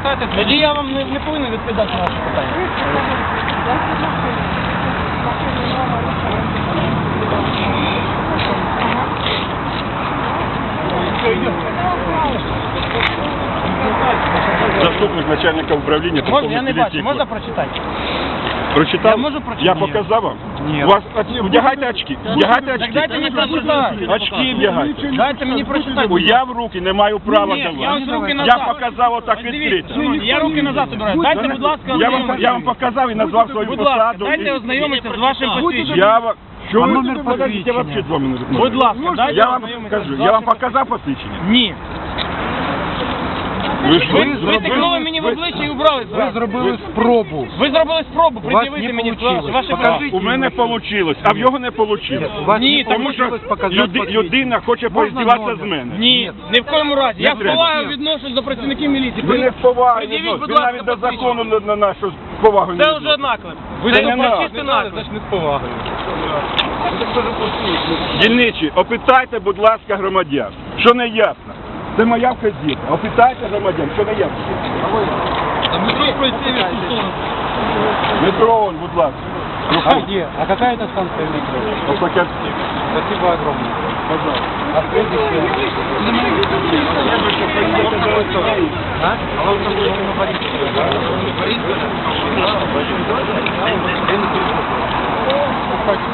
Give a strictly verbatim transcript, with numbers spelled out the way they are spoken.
Прочитайте. Тоді я вам не, не повинен відповідати на ваше питання. Заступник начальника управління. Можна, я не бачу, можна прочитати? Прочитав? Я можу прочитати? Я показав вам? Ні. У вас, вдягайте очки. Вдягайте очки. Так дайте мені прочитати. Очки вдягайте. Дайте мені прочитати. Я в руки не маю права Ні, я давати. ось руки Я назад. показав отак Ось дивіться, відкрито. Я руки назад обираю. Дайте, будь ласка, Я вам, ознайомитися. я вам показав і назвав свою Будь ласка, посаду. дайте і- ознайомитися з вашим посвідченням. Я вам... Що А ви номер тут подождіть, я посвідчення? взагалі два минути. Будь ласка, дайте Я вам ознайомитися скажу, з я вам вашим показав посвідчення? Ні. Ви ж Ви, ви тикнули мені в обличчя і убрали Ви зразу. зробили спробу. Ви зробили спробу У вас пред'явити не мені получилось. ваші Покажіть. права. У мене вийшло, а в його не вийшло. У вас Ні, не тому Тому що получилось показати люди, посвідчення. людина хоче Можна поіздіватися з номер? мене. Ні, ні в коєму разі. Я з треба. повагою відношусь до працівників міліції. Ви не з повагою, Пред'явіть, відносите. будь Ви ласка, навіть до посвідчення. закону на, на нашу повагу не Це вже відносите. наклеп. Ви Це не надо. чистий наклеп. не з повагою. Дільничі, опитайте, будь ласка, громадян, що не ясно. Це моя вказівка. Опитайте громадян, що не ясно. Метро, он, будь ласка. А где? А какая это станция метро? Ось таке. Спасибо огромное. Пожалуйста. А следующее? А? А вам там нужно на Борисове, да? Борисове?